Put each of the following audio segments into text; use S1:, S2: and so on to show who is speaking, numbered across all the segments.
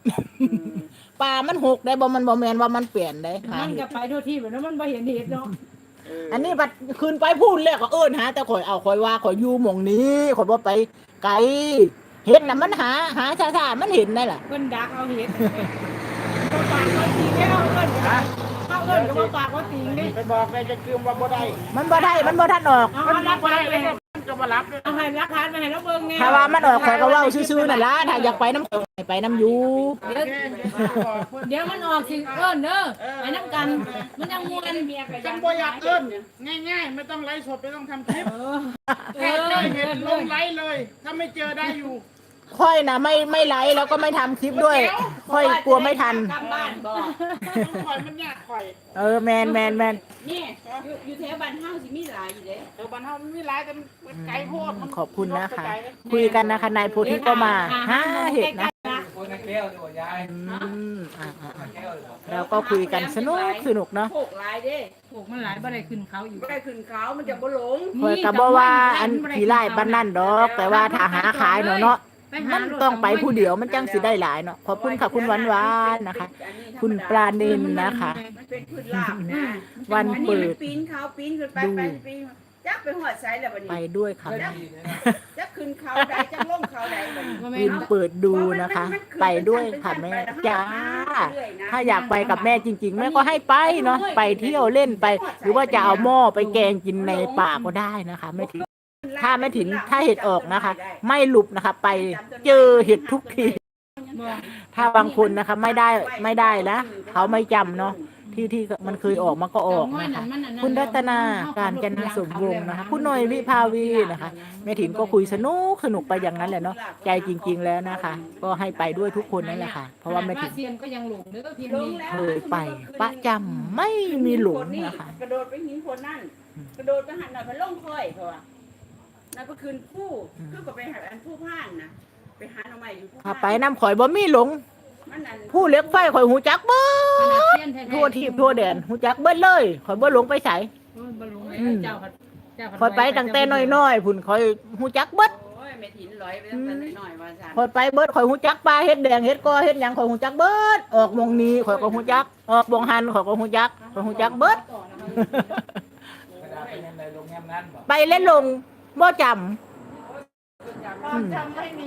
S1: ป่ามันหกได้บ่มันบ่แม่นว่ามันเปลี่ยนได้หา
S2: มัน
S1: เห็
S2: ก็
S1: ด
S2: ไปทั่วที่แบบนั้นมันบ่เห็นเหตุเนาะ
S1: อันนี้บัดคืนไปพูดแล้วก็เอิ้นหาแต่ข่อยเอาข่อยว่าข่อยอยู่หม่องนี้ข่อยบ่ไปไกลเห็ดน่ะมันหาช้าๆมันเห็นได้ล่ะ
S2: เพิ่นดักเอาเหตุบ่ปากบ่ตีแล้วเอิ้นเอาเอิ้นก็บ่ปากบ่ตีนี่
S3: ไปบอกเลยจะคืมว่าบ่ได้
S1: มันบ่ได้มันบ่ทันออก
S2: เอารักฐานไป
S3: มันก็มารับด้วย
S2: เอาให้รักฐานไปให้เราเบิ่งแน่
S1: ถ้าว่ามันออกข่อยก็เว้าซื่อๆนั่นล่ะถ้าอยากไปน้ำข่อยไปน้ำอยู่
S2: เดี๋ยวมันออกสิเอิ้นเด้อไปนํกันมันยังม่วน
S3: จังบ่อยากเอิ้นง่ายๆไม่ต้องไลฟ์สดไม่ต้องทำคลิป
S2: เออ
S3: แค่เจอเห็นลงไลฟ์เลย ถ้าไม่เจอได้อยู่
S1: ค่อยน่ะไม่ไลฟ์แล้วก็ไม่ทำคลิปด้วยค่อยกลัวไม่ทัน
S4: กลับบ้านบ่
S3: ข่อยมันยากข่อย
S1: แมน
S4: นี่อยู่แถวบ้านเฮาสิมีหลายอยู่เด้
S3: บ้านเฮามันมีหลายแต่มันไกลโพดมัน
S1: ขอบคุณนะคะ คุยกันนะคะนายโพธิก็มาหาเห็ดนะเราก็คุยกันสนุกเนาะ
S4: โขกหลายเด้
S2: ถูกมันหลายบ่ได้ขึ้นเขาอยู่
S4: บ่ได้ขึ้นเขามันจะบ่หลง
S1: คอยก็บ่ว่าอันขี้ไล่บ้านนั่นดอก แต่ว่าถ้าหาขายเนาะมันต้องไปผู้เดียวมันจังสิได้หลายเนาะขอบคุณค่ะคุณหวานๆนะคะ คุณปลาเนนนะคะ
S4: มันเป็นพืชลาบนะ
S1: วันเปิด
S4: ปีนเขาปีนขึ้นไปปีนจักไปหอดไสแล้วบัด
S1: ไป
S4: นี้
S1: ด้วยค่ะ
S4: จักขึ้นเขาใดจักลงเขาใดบัดนี้
S1: วินเปิดดูนะคะ ไปด้วยค่ะแม่จ้าถ้าอยากไปกับแม่จริง ๆ แม่ก็ให้ไปเนาะไปเที่ยวเล่นไป หรือว่าจะเอาหม้อไปแกงกินในป่าก็ได้นะคะแม่ถิ่นถ้าแม่ถิ่นถ้าเห็ดออกนะคะ ไม่หลุบนะคะ ไปเจอเห็ดทุกที ถ้าบางคนนะคะไม่ได้นะเขาไม่จำเนาะที่มันเคยออกมันก็ออกนะคะคุณรัตนาการจนาสมวงศ์นะคะ คุณหน่อยวิภาวีนะคะแม่ถิ่นก็คุยสนุกไปอย่างนั้นแหละเนาะใจจริง ๆแล้วนะคะ ก็ให้ไปด้วยทุกคนนั่นแหละค่ะ เพราะว่าแม่ถิ่น
S2: เซียนก็ยังหลงเด้อเพียงนี้
S1: เคยไปประจำไม่มีหลงนะคะ
S4: กระโดดไปหินคนนั่นกระโดดไปหันหน่อยไปล่องค่อยเพราะว่านั่นก็คืนผู้คือก็ไปหาอันผู้พ่านนะไปหาหน่อไม้อยู่ผู้
S1: ถ้าไปน้ำข่อยบ่มีหลง
S4: มันนั่น
S1: ผู้เล็กไฟข่อยหูจักเบิ
S2: ขนาด
S1: ด
S2: เซียนแท้ๆ
S1: ทั่วทีบทั่วแดนหูจักเบิดเลยข่อยบ่หลงไปไส
S2: บ่หลงเลยเจ้าผัด
S1: ข่อยไปตั้งแต่น้อยๆพุ่นข่อยหูจักเบิด
S4: โอ้ยแม่ถินลอยไปตั้งแต่น้อยๆว่าซั่น
S1: ข่อยไปเบิดข่อยหูจักปลาเฮ็ดแดงเฮ็ดกอเฮ็ดหยังข่อยหูจักเบิดออกหมองนี้ข่อยก็หูจักออกบ่งหันข่อยก็หูจักข่อยหูจักเบิด ไปเล่นลงบ่จำ
S2: ความจำไม่มี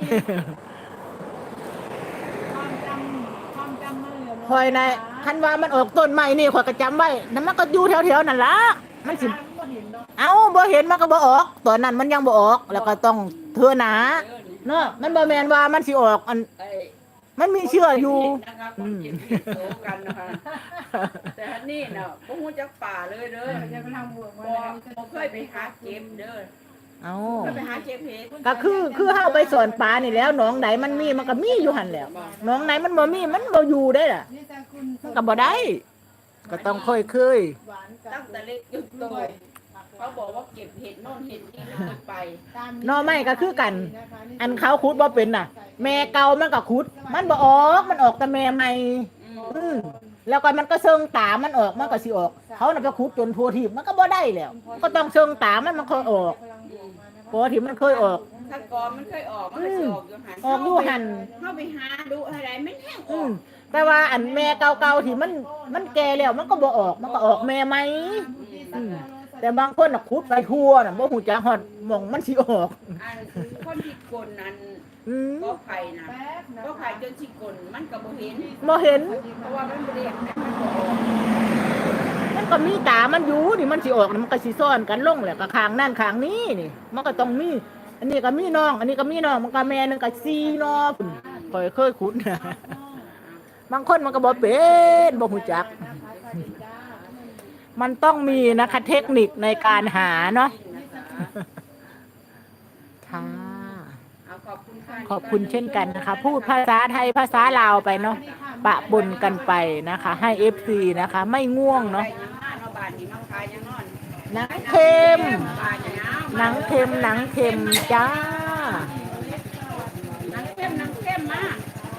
S2: ความจำมันเหลือ
S1: คอยในคันว่ามันออกต้นใหม่นี่ข่อยก็จำไว้นั่นมันก็อยู่แถวๆนั่นล่ะมันสิเอาบ่เห็นมันก็บ่ออกตอนนั้นมันยังบ่ออกแล้วก็ต้องเทื่อหนาเนาะมันบ่แม่นว่ามันสิออกอัน
S4: ไอ้
S1: มันมีเชื่ออยู่
S4: นะครับคนกินผิดโตกันนะคะแต่อันนี่น่ะบ่ฮู้จักป่าเลยเด้อ
S2: จะไปทำบวก
S4: บ่เคยไปหาเก็บเด้อ
S1: เอา
S4: เคยไปหาเก็บเห็ด
S1: ก็คือเฮาไปสอนปลานี่แล้วหนองไหนมันมีมันก็มีอยู่หั่นแหล้วหนองไหนมันบ่มีมันบ่อยู่ได้ล่ะมันก็บ่ได้ ก็ต้องค่อย
S4: ตั้งแต่เล็กจนโตเขาบอกว่าเก็บเห็ดโน่นเห็ดนี่ไม่เคยไป
S1: ๆหน่อไม้ก็คือกัน อันเขาขุดบ่เป็นน่ะ แม่เก่ามันก็ขุด มันบ่ออกมันออกแต่แม่ใหม่ แล้วก็มันก็เชิงตามันออกมันก็สิออก เขาน่ะไปขุดจนทั่วทีบมันก็บ่ได้แล้ว ก็ต้องเชิงตามันค่อยออกปกติมันเคยออก
S4: ถ้าก่อนมันเคยออกมันก็สิออกอยู่หัน
S1: ออกอยู่หั่น
S4: เข้าไปหาดูอะไรมันแห้งอ
S1: อื
S4: อก
S1: มแต่ว่าอันแม่เก่าๆที่มันแก่แล้วมันก็บ่ออกมันก็ออกแม่ใหม่อืมแต่บางคนน่ะขุดไปทั่วน่ะบ่ฮู้จักฮอดหม่องมันสิออก
S4: อันคือคนที่กลนนั้น
S1: อืม
S4: ก็ไผ่นะก็ไผ่จนสิกลมันก็บ่เห็น
S1: บ่เห็น
S4: เพราะว่ามันบ่ได้มันบ่ออก
S1: มันก็มีตามันอยู่นี่มันสิออกน่ะมันก็สิซ้อนกันลงแหละก็ข้างนั่นข้างนี้นี่ มันก็ต้องมีอันนี้ก็มีน้อง อันนี้ก็มีน้องมันก็แม่นึงก็4น้องพุ่นข่อยเคยขุดนะบางคนมันก็บ่เป็นบ่ฮู้จัก มันต้องมีนะคะเทคนิคในการหาเนาะค่ะ
S4: เอาขอบคุณค่ะ
S1: ขอบคุณเช่นกันนะคะ พูดภาษาไทยภาษาลาวไปเนาะปะปนกันไปนะคะ ให้ FC นะคะ ไม่ง่วงเนาะ
S4: ไปยังหน้าเนาะบ้านนี้น้องคายยังนอน
S1: หนังเค็ม
S4: บ้านเนี่ย
S1: หนังเค็มหนังเค็มจ้า
S4: หนังเข้มมาก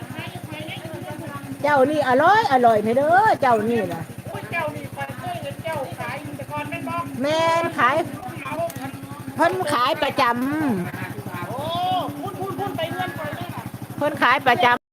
S1: เจ้านี่อร่อยเด้อเจ้านี่นะ
S3: อุ้ยเจ้านี่คอยเคยเห็นเจ้าขายอยู่แต่ก่อนแม่นบอก
S1: แม่นขาย
S3: เอา
S1: เพิ่นขายประจ
S3: โอ้พุ่นไปเงื่อนคอยเลยค่ะ
S1: ำเพิ่นขายประจำ